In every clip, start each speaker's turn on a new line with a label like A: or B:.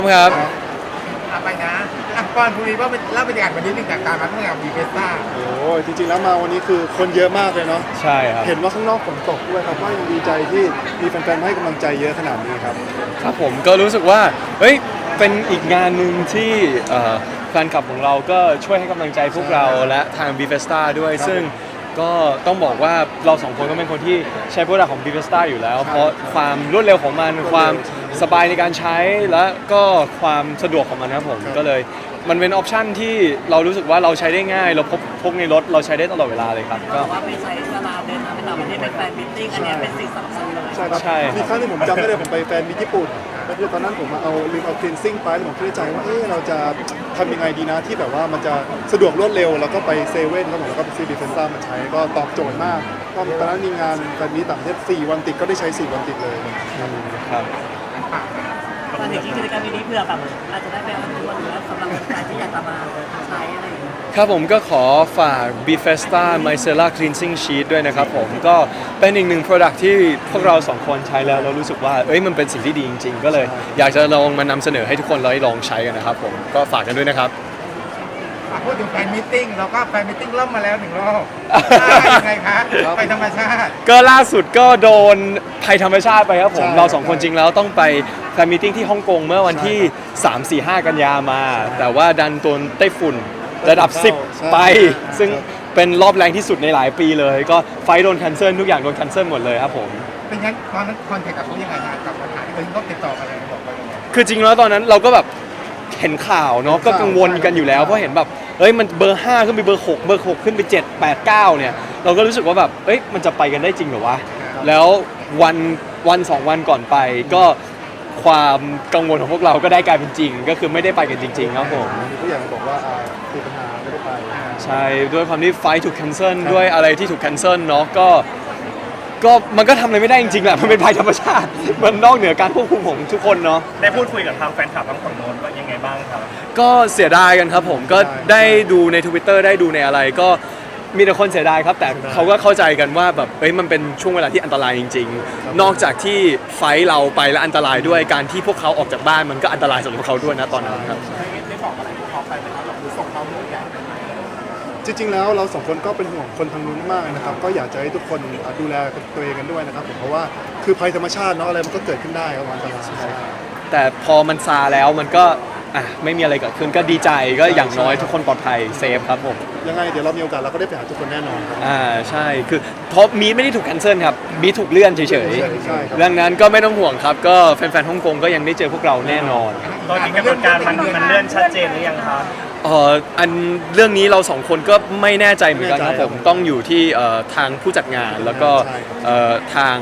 A: ครับ
B: ไปนะก่อนคุยว่าเป็นเล่าบรรยากาศวันนี้หนึ่งจากการมาร่วมงานวีเฟสต้า
C: โอ้จริงๆแล้วมาวันนี้คือคนเยอะมากเลยเนาะ
A: ใช่ครับ
C: เห็นว่าข้างนอกฝนตกด้วยครับว่ายังดีใจที่มีแฟนๆให้กำลังใจเยอะขนาดนี้ครับ
A: ครับผมก็รู้สึกว่าเฮ้ยเป็นอีกงานหนึ่งที่แฟนคลับของเราก็ช่วยให้กำลังใจพวกเราและทาง b ีเฟสต้าด้วยซึ่งก็ต้องบอกว่าเราสองคนก็เป็นคนที่ใช้โปรดักต์ของ b ีเฟสต้าอยู่แล้วเพราะความรวดเร็วของมันความสบายในการใช้และก็ความสะดวกของมันนะครับผมก็เลยมันเป็นออปชันที่เรารู้สึกว่าเราใช้ได้ง่ายเราพกในรถเราใช้ได้ตลอดเวลาเลยครับก็
D: ว่าไปใช้เวลาเดินทางไปต่างประเทศเป็นแฟนมิทติ้งอันนี้เป็นสิ่งสำคัญเลย
C: ใช่ครับมีครั้งที่ผมจำได้เลยผมไปแฟนมีญี่ปุ่นก็คือตอนนั้นผมลืมเอาคลีนซิ่งไปแล้วผมคิดในใจว่าเราจะทำยังไงดีนะที่แบบว่ามันจะสะดวกรวดเร็วแล้วก็ไปเซเว่นแล้วผมก็ไปซื้อดีเฟนซ่ามาใช้ก็ตอบโจทย์มากก็ตอนนั้นมีงานแฟนมีต่างประเทศ4 วันติดก็ได้ใช้4 วันติดเลย
A: ครับ
D: ตอนเห็นกิจกรรมนี้เพื่อแบบอาจจะได้ไปออนทัวร์หรือสำหรับคนที่อยากจะมาใช้อะไรอย่างเงี้ย
A: ครับผมก็ขอฝาก Bifesta Micellar Cleansing Sheet ด้วยนะครับผมก็เป็นอีกหนึ่ง Product ที่พวกเราสองคนใช้แล้วเรารู้สึกว่ามันเป็นสิ่งที่ดีจริงๆก็เลยอยากจะลองมานำเสนอให้ทุกคนลองใช้กันนะครับผมก็ฝากกันด้วยนะครับ
B: พูดถึงแฟนมิทติ้งเราก็แฟนมิทติ้งล่มมาแล้ว1 รอบยังไงคะไปธรรมชาติ
A: ก็ล่าสุดก็โดนภัยธรรมชาติไปครับผมเราสองคนจริงแล้วต้องไปแฟนมิทติ้งที่ฮ่องกงเมื่อวันที่3 4 5 กันยามาแต่ว่าดันตัวไต้ฝุ่นระดับ10ไปซึ่งเป็นรอบแรงที่สุดในหลายปีเลยก็ไฟโดนแคนเซิลทุกอย่างโดนแคนเซิลหมดเลยครับผม
B: เป็นงั้นตอนนั้นคอนแทคกับเขายังไงนะกับปัญหาที่เขาต้องติดต่อมาเลยบอกไปยังไง
A: คือจริงแล้วตอนนั้นเราก็แบบเห็นข่าวเนาะก็กังวลกันอยู่แล้วเพราะเห็นแบบมันเบอร์5ขึ้นไปเบอร์6เบอร์6ขึ้นไป7 8 9เนี่ยเราก็รู้สึกว่าแบบมันจะไปกันได้จริงเหรอวะแล้ววัน2 วันก่อนไปก็ความกังวลของพวกเราก็ได้กลายเป็นจริงก็คือไม่ได้ไปกันจริงๆครับผม
C: ผู้ใหญ่บอกว่ามีปัญหาไม่ได้ไป
A: ใช่ด้วยความที่ไฟถูกแคนเซิลด้วยอะไรที่ถูกแคนเซิลเนาะก็มันก็ทำอะไรไม่ได้จริงๆแหละมันเป็นภัยธรรมชาติมันนอกเหนือการควบคุมของทุกคนเนาะ
E: ได้พูดคุยกับทางแฟนคลับทั้งฝั่งโน้นว่ายังไงบ้างครับ
A: ก็เสียดายกันครับผมก็ได้ดูใน Twitter ได้ดูในอะไรก็มีแต่คนเสียดายครับแต่เขาก็เข้าใจกันว่าแบบมันเป็นช่วงเวลาที่อันตรายจริงๆนอกจากที่ไฟเราไปแล้วอันตรายด้วยการที่พวกเขาออกจากบ้านมันก็อันตรายสำหรับเขาด้วยนะตอนนั้นครับ
B: ได้บอกอะไรกับเขาไปไหมครับหรือส่งเขาเรื่องใหญ่
C: จริงๆแล้วเรา2 คนก็เป็นห่วงคนทางนู้นมากนะครับก็อยากจะให้ทุกคนดูแลตัวเองกันด้วยนะครับผมเพราะว่าคือภัยธรรมชาติเนาะอะไรมันก็เกิดขึ้นได้ครับอันตราย
A: แต่พอมันซาแล้วมันก็ไม่มีอะไรเกิดขึ้นก็ดีใจก็อย่างน้อยทุกคนปลอดภัยเซฟครับผม
C: ยังไงเดี๋ยวเรามีโอกาสเราก็ได้ไปหาทุกคนแน่นอนครับ
A: ใช่คือท็อปมีไม่ได้ถูกแคนเซิลครับมีถูกเลื่อนเฉยๆเรื่องนั้นก็ไม่ต้องห่วงครับก็แฟนๆฮ่องกงก็ยังได้เจอพวกเราแน่นอน
E: ตอนนี้กำหนดการมันเลื่อนชัดเจนหรือยังครับ
A: อันเรื่องนี้เราสองคนก็ไม่แน่ใจเหมือนกันครับผมต้องอยู่ที่ทางผู้จัดงานแล้วก็ทาง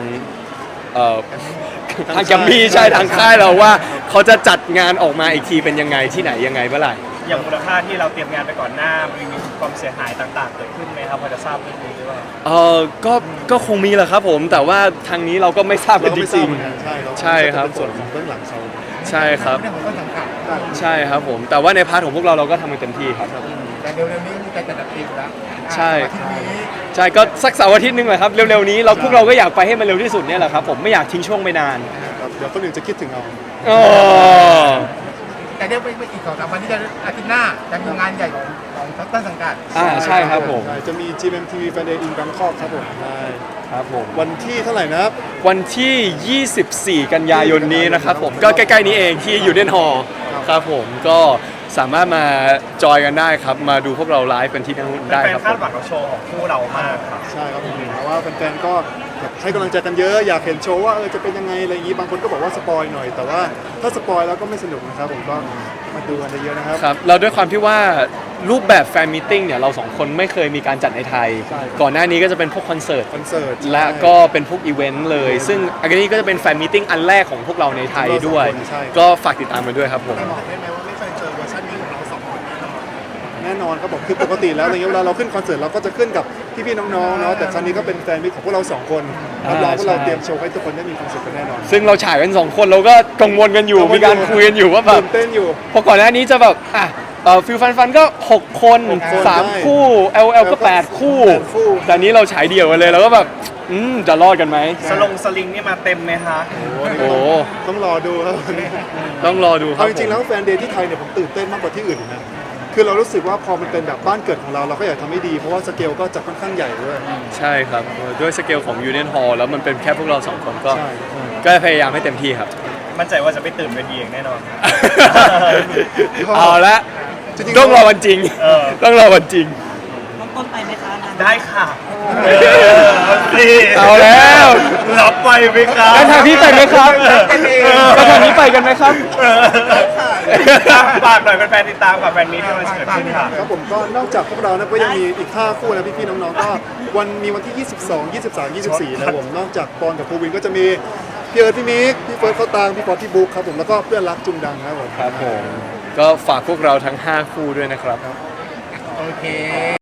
A: แกมมี่ใช่ทางค่ายเราว่าเขาจะจัดงานออกมาอีกทีเป็นยังไงที่ไหนยังไงเมื่อไหร่
E: อย่างมูลค่าที่เราเตรียมงานไปก่อนหน้ามีความเสียหายต่างๆเกิดขึ้นไหมครับพอจะทราบเรื่องนี้หรือเปล่า
A: ก็คงมีแหละครับผมแต่ว่าทางนี้เราก็ไม่ทราบกันจริง
C: ๆ
A: ใช่ครับ
C: ส่วนของเบื้องหลังเขา
A: ใช่ครับใช่ครับผมแต่ว่าในพาร์ทของพวกเราก็ทำกันเต็มที่ครับ
B: แต่เร็วๆนี้มีการจัดทีมแล้ว
A: ใช่ก็สักเสาร์อาทิตย์นึงแหละครับเร็วๆนี้พวกเราก็อยากไปให้มันเร็วที่สุดเนี่ยแหละครับผมไม่อยากทิ้งช่วงไปนาน
C: เดี๋ยวคนอื่นจะคิดถึงเรา
B: แต่เดี๋ยวไม่อีก2-3 วันที่จะอาทิตย์หน้าจะมีงานใหญ่ของต้นสังกัด
A: ใช่ครับผม
C: จะมี GMMTV Fan Day in Bangkok ครับผมใช่
A: ครับผม
C: วันที่เท่าไหร่นะครับ
A: วันที่ 24 กันยายนนี้นะครับผมก็ใกล้ๆนี้เองที่ยูเนียนฮอลล์ครับผมก็สามารถมาจอยกันได้ครับมาดูพวกเราไลฟ์เป็นที่นั่นได้ครับ
E: แฟนคาดหวังกับโชว์ของคู่เรามากครับ
C: ใช่ครับผมเพราะว่าแฟนๆก็ให้กำลังใจกันเยอะอยากเห็นโชว์ว่าจะเป็นยังไงอะไรอย่างนี้บางคนก็บอกว่าสปอยหน่อยแต่ว่าถ้าสปอยแล้วก็ไม่สนุกนะครับผมก็มาดูกันเยอะนะครับ
A: ครับเราด้วยความที่ว่ารูปแบบแฟนมีตติ้งเนี่ยเรา2 คนไม่เคยมีการจัดในไทยก่อนหน้านี้ก็จะเป็นพวกคอนเสิร์ตและก็เป็นพวกอีเวนต์เลยซึ่งอันนี้ก็จะเป็นแฟนมีตติ้งอันแรกของพวกเราในไทยด้วยก็ฝากติดตามกันด้วยครับผม
C: แน่นอนครับผมคือปกติแล้วอะไรเงี้ยเวลาเราขึ้นคอนเสิร์ตเราก็จะขึ้นกับพี่ๆน้องๆเนาะแต่ครั้งนี้ก็เป็นแฟนมิตรของพวกเรา2 คนรับรองว่าเราเตรียมโชว์ให้ทุกคนได้มีความสุขกันแน่นอน
A: ซึ่งเราฉายกัน2 คนเราก็กังวลกันอยู่มีการคุยกันอยู่ว่าแบบ
C: เต้นอยู่
A: พอก่อนหน้านี้จะแบบฟิลฟันก็6 คน3 คู่ LL ก็8 คู่แต่นี้เราฉายเดี่ยวกันเลยแล้วก็แบบจะรอดกันไหม
E: สลิงนี่มาเต็มไหมคะ
A: โอ้
C: ต้องรอดูครับ
A: ต้องรอดูครับ
C: เอาจริงๆแล้วแฟนเดย์ที่ไทยเนี่ยผมตื่นเต้นมากกว่าที่อื่นอีกนะคือเรารู้สึกว่าพอมันเป็นแบบบ้านเกิดของเราเราก็อยากทำให้ดีเพราะว่าสเกลก็จะค่อนข้างใหญ่ด้วย
A: ใช่ครับด้วยสเกลของ Union Hall แล้วมันเป็นแค่พวกเราสองคนก็
C: ใช่
A: ก็พยายามให้เต็มที่ครับ
E: มั่นใจว่าจะไม่ตื่นเวทีเองแน่นอน
A: เอาละ
C: จริงๆ
A: ต้องรอวันจริง
E: เออ
A: ต้องรอวันจริง
D: ต้นไปไหมคะงาน
E: ได้ค่ะ สิ
A: เอาแล้ว
E: รับไปไหมครับ
A: แล้วทางพี่ไปไหมครับแล้วทางนี้ไปกันไหมครับ
E: ฝากหน่อยแฟนๆติดตามกับแฟนมีที่มันจะเกิดขึ้นค่ะ
C: ครับผมก็นอกจากพวกเรานะก็ยังมีอีก5คู่นะพี่ๆน้องๆก็มีวันที่ 22 23 24นะครับผมนอกจากปอนกับภูวินก็จะมีพี่เอิร์ธพี่มิกพี่เฟิร์สเขาตางพี่ปอพี่บุ๊คครับผมแล้วก็เพื่อนรักจุงดังครับผม
A: ครับผม ก็ฝากพวกเราทั้ง 5 คู่ด้วยนะครับ
B: โอเค